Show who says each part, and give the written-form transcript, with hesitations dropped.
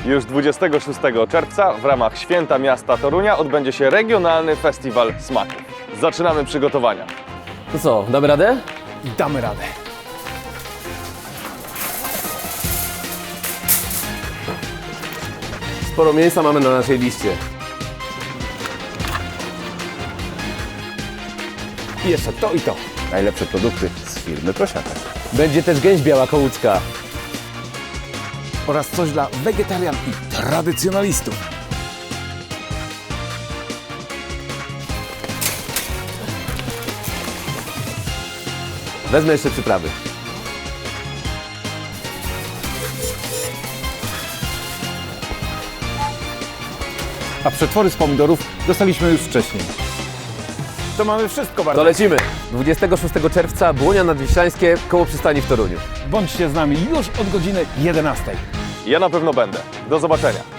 Speaker 1: Już 26 czerwca w ramach Święta Miasta Torunia odbędzie się regionalny festiwal smaków. Zaczynamy przygotowania.
Speaker 2: To co, damy radę?
Speaker 3: Damy radę.
Speaker 2: Sporo mięsa mamy na naszej liście.
Speaker 3: I jeszcze to i to.
Speaker 4: Najlepsze produkty z firmy Prosiaka.
Speaker 2: Będzie też gęś biała kołucka.
Speaker 3: Oraz coś dla wegetarian i tradycjonalistów.
Speaker 2: Wezmę jeszcze przyprawy.
Speaker 4: A przetwory z pomidorów dostaliśmy już wcześniej.
Speaker 3: To mamy wszystko bardzo.
Speaker 2: To lecimy. 26 czerwca Błonia Nadwiślańskie koło przystani w Toruniu.
Speaker 4: Bądźcie z nami już od godziny 11.
Speaker 1: Ja na pewno będę. Do zobaczenia.